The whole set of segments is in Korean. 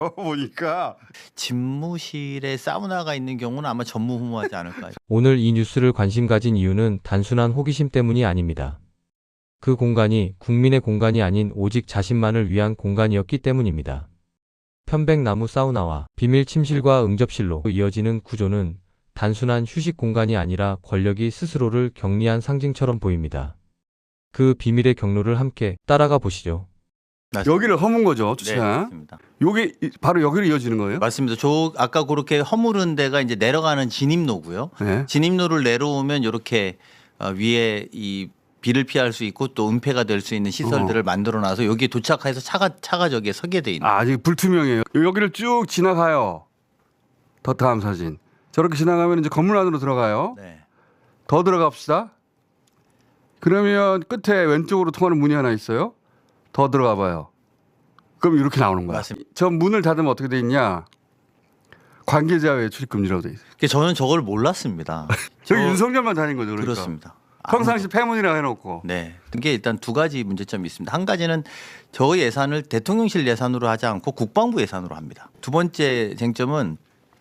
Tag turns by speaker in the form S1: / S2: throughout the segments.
S1: 보니까
S2: 집무실에 사우나가 있는 경우는 아마 전무후무하지 않을까요?
S3: 오늘 이 뉴스를 관심 가진 이유는 단순한 호기심 때문이 아닙니다. 그 공간이 국민의 공간이 아닌 오직 자신만을 위한 공간이었기 때문입니다. 편백나무 사우나와 비밀 침실과 응접실로 이어지는 구조는 단순한 휴식 공간이 아니라 권력이 스스로를 격리한 상징처럼 보입니다. 그 비밀의 경로를 함께 따라가 보시죠.
S1: 여기를 허문 거죠,
S2: 네,
S1: 주차.
S2: 맞습니다.
S1: 여기 바로 여기로 이어지는 거예요?
S2: 맞습니다. 저 아까 그렇게 허물은 데가 이제 내려가는 진입로고요.
S1: 네.
S2: 진입로를 내려오면 이렇게 위에 이 비를 피할 수 있고 또 은폐가 될 수 있는 시설들을 만들어놔서 여기에 도착해서 차가 저기에 서게 돼 있는.
S1: 아직 불투명해요. 여기를 쭉 지나가요. 더 다음 사진. 저렇게 지나가면 이제 건물 안으로 들어가요.
S2: 네.
S1: 더 들어갑시다. 그러면 끝에 왼쪽으로 통하는 문이 하나 있어요. 더 들어가 봐요. 그럼 이렇게 나오는 거야.
S2: 맞습니다.
S1: 저 문을 닫으면 어떻게 돼 있냐? 관계자 외 출입금지라고 돼 있어요.
S2: 저는 저걸 몰랐습니다.
S1: 저기 윤석열만 다닌 거죠. 그러니까.
S2: 그렇습니다.
S1: 평상시 폐문이라고 해놓고.
S2: 네. 이게 일단 두 가지 문제점이 있습니다. 한 가지는 저 예산을 대통령실 예산으로 하지 않고 국방부 예산으로 합니다. 두 번째 쟁점은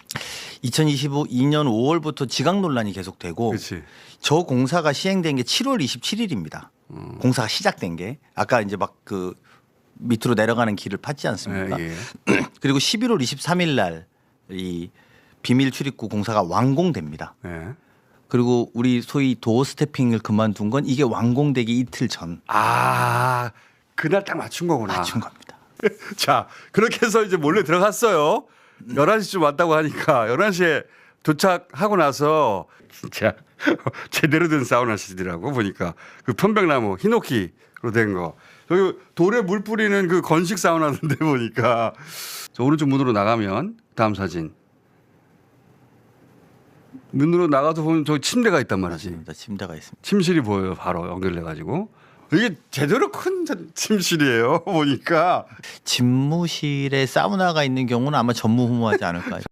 S2: 2025년 5월부터 지각 논란이 계속되고
S1: 그렇지.
S2: 저 공사가 시행된 게 7월 27일입니다. 공사가 시작된 게 아까 이제 막 그 밑으로 내려가는 길을 팠지 않습니까?
S1: 예.
S2: 그리고 11월 23일 날 이 비밀 출입구 공사가 완공됩니다.
S1: 예.
S2: 그리고 우리 소위 도어 스태핑을 그만둔 건 이게 완공되기 이틀 전
S1: 아, 그날 딱 맞춘 거구나.
S2: 맞춘 겁니다.
S1: 자, 그렇게 해서 이제 몰래 들어갔어요. 11시쯤 왔다고 하니까 11시에 도착하고 나서 진짜 제대로 된 사우나시더라고 보니까 그 편백나무 히노키로 된 거. 여기 돌에 물 뿌리는 그 건식 사우나인데 보니까 저 오른쪽 문으로 나가면 다음 사진. 문으로 나가서 보면 저기 침대가 있단 말이지.
S2: 맞습니다. 침대가 있습니다.
S1: 침실이 보여요. 바로 연결돼 가지고. 이게 제대로 큰 침실이에요. 보니까.
S2: 집무실에 사우나가 있는 경우는 아마 전무후무하지 않을까요?